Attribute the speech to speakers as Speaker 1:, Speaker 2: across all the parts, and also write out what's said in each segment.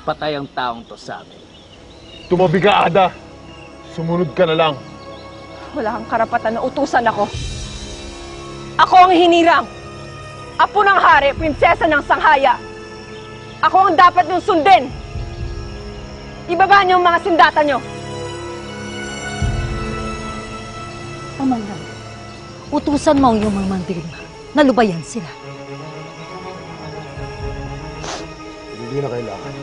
Speaker 1: patay ang taong to sa amin.
Speaker 2: Tumabi ka, Ada. Sumunod ka na lang.
Speaker 3: Wala kang karapatan na utusan ako. Ako ang hinirang. Apo ng hari, prinsesa ng Sanghaya. Ako ang dapat niyong sundin. Ibaba niyo ang mga sindata niyo.
Speaker 4: Pamanang, utusan mo ang iyong mga mandirigma na lubayan sila.
Speaker 5: Hindi na kailangan.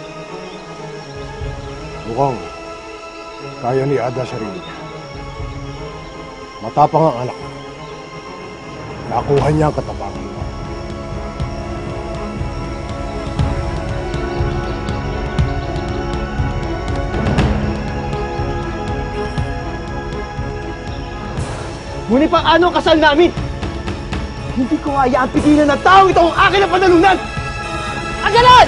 Speaker 5: Mukhang kaya ni Ada sarili niya. Matapang ang anak. Nakuha niya ang katapangan mo.
Speaker 2: Ngunit paano ang kasal namin? Hindi ko hayaan pigilan ng tao ito ang akin na panalunan!
Speaker 3: Agalan!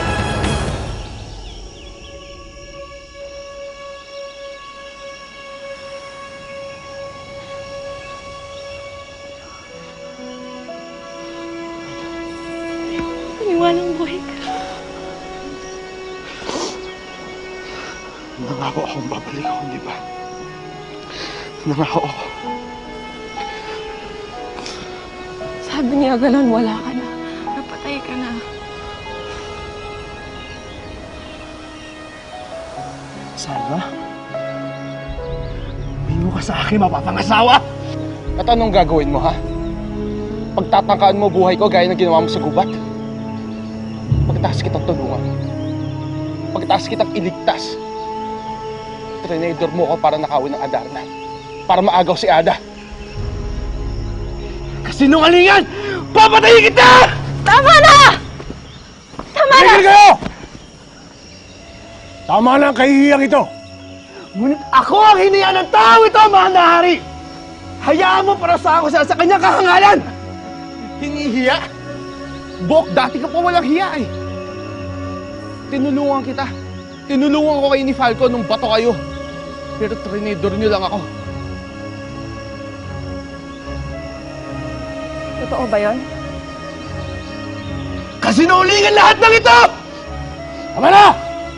Speaker 3: Iniwanang buhay ka.
Speaker 5: Nangako akong babalik ako, di ba? Nangako ako.
Speaker 3: Sabi ni Agalan, wala ka na. Napatay ka na.
Speaker 2: Salva? Bingo ka sa akin, mapapangasawa!
Speaker 6: At anong gagawin mo, ha? Pagtatangkaan mo buhay ko gaya ng ginawa mo sa gubat? Pagkatapos kitang tulungan. Pagkatapos kitang iligtas. Trinador mo ko para nakawin ng Adarna. Para maagaw si Ada.
Speaker 2: Kasinungalingan! Papatayin kita!
Speaker 3: Tama na! Tama na!
Speaker 5: Tigil kayo! Tama na ang kahihiyang ito.
Speaker 2: Ngunit ako ang hiniya ng tao ito, mahal na hari! Hayaan mo para sa ako sa kanyang kahangalan!
Speaker 6: Hinihiya? Bok, dati ka pa walang hiya eh. Tinulungan kita. Tinulungan ko kayo ni Falco nung bato kayo. Pero trinador niyo lang ako.
Speaker 3: Totoo ba yun?
Speaker 2: Kasinungalingan lahat ng ito!
Speaker 5: Tama na!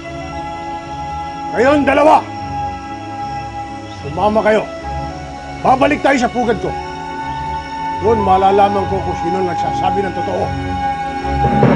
Speaker 5: Kayong dalawa! Sumama kayo. Babalik tayo sa pugad ko. Doon malalaman ko kung sino nagsasabi ng totoo.